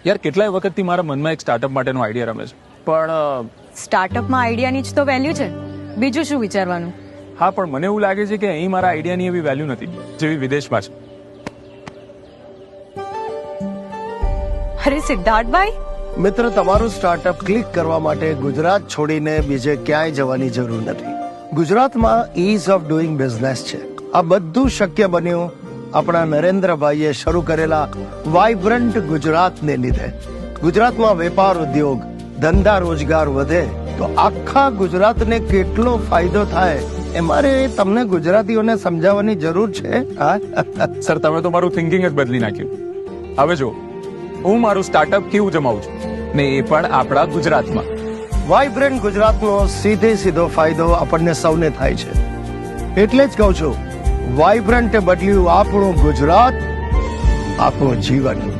યાર કેટલાય વખતથી મારા મનમાં એક સ્ટાર્ટઅપ માટેનો આઈડિયા રમે છે, પણ સ્ટાર્ટઅપમાં આઈડિયાની જ તો વેલ્યુ છે, બીજું શું વિચારવાનું? હા, પણ મને એવું લાગે છે કે અહીં મારા આઈડિયાની એવી વેલ્યુ નથી જેવી વિદેશમાં છે. અરે સિદ્ધાર્થભાઈ, મિત્ર, તમારું સ્ટાર્ટઅપ ક્લિક કરવા માટે ગુજરાત છોડીને બીજે ક્યાંય જવાની જરૂર નથી. ગુજરાતમાં ઇઝ ઓફ ડુઈંગ બિઝનેસ છે. આ બધું શક્ય બન્યું આપણા નરેન્દ્રભાઈએ શરૂ કરેલા વાઇબ્રન્ટ ગુજરાતને લીધે. ગુજરાતમાં વેપાર ઉદ્યોગ ધંધા રોજગાર વધે તો આખા ગુજરાતને કેટલો ફાયદો થાય એ મારે તમને ગુજરાતીઓને સમજાવવાની જરૂર છે. સર, તમે તો મારું થિંકિંગ જ બદલી નાખ્યું. હવે જો હું મારું સ્ટાર્ટઅપ કેવું જમાવું છું, ને એ પણ આપણા ગુજરાતમાં. વાઇબ્રન્ટ ગુજરાતનો સીધો ફાયદો આપણને સૌને થાય છે. એટલે જ કહું છું, વાઇબ્રન્ટે બદલ્યું આપણું ગુજરાત, આપણું જીવન.